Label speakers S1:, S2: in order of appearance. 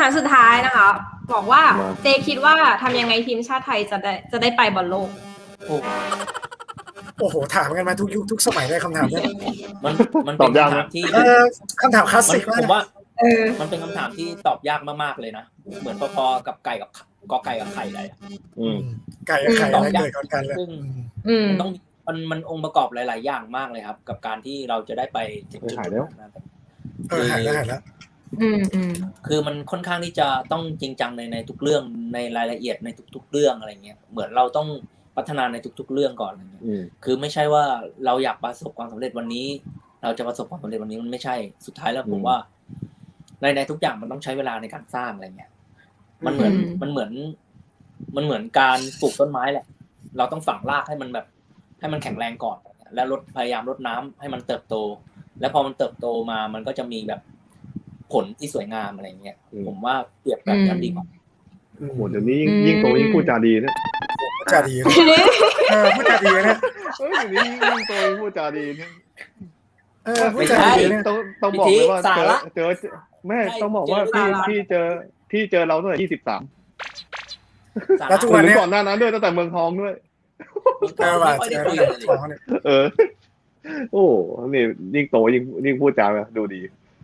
S1: ถามสุดท้ายนะคะบอกว่าเจคิดว่าทำยังไงทีมชาติไทยจะได้ไปบอลโลก
S2: โอ้โหถามกันมาทุกยุคทุกสมัยได้คำถามนี้
S3: มันเป็นคำถามที่
S2: คำถามคลาสสิกมาก
S3: ผมว่ามันเป็นคำถามที่ตอบยากมากๆเลยนะเหมือนพอๆกับไก่กับกอไก่กับไข่เลย
S2: ไก่กับไข่อะไรเกิดก่อนกันเลย
S3: มันต้องมันองค์ประกอบหลายๆอย่างมากเลยครับกับการที่เราจะได้ไปถึงจุดนั้น
S2: หายแล้ว
S3: คือมันค่อนข้างที่จะต้องจริงจังในทุกเรื่องในรายละเอียดในทุกๆเรื่องอะไรเงี้ยเหมือนเราต้องพัฒนาในทุกๆเรื่องก่อนอะไรเงี้ยคือไม่ใช่ว่าเราอยากประสบความสำเร็จวันนี้เราจะประสบความสำเร็จวันนี้มันไม่ใช่สุดท้ายแล้วผมว่าในทุกอย่างมันต้องใช้เวลาในการสร้างอะไรเงี้ยมันเหมือนการปลูกต้นไม้แหละเราต้องฝังรากให้มันแบบให้มันแข็งแรงก่อนแล้วพยายามรดน้ำให้มันเติบโตแล้วพอมันเติบโตมามันก็จะมีแบบผลที่สวยงามอะไรเงี้ยผมว่าเปรียบแบบนั้นดีกว่า
S4: โหเดี๋ยวนี้ยิ่งโตยิ่งพูดจาดีนะ
S2: พูดจาดีพูดจาดีนะ
S4: เดี๋ยวนี้ยิ่งโตยิ่งพูดจาดีนะ
S2: พูดจาดีนะ
S4: ต้องบอกเลยว่าเจอแม่ต้องบอกว่าพี่เจอเราตั้งแต่23
S2: แล้วทุกวันนี้
S4: ก่อนหน้านั้นด้วยตั้งแต่เมืองทองด้วยโอ้นี่ยิ่งโตยิ่งพูดจาดูดี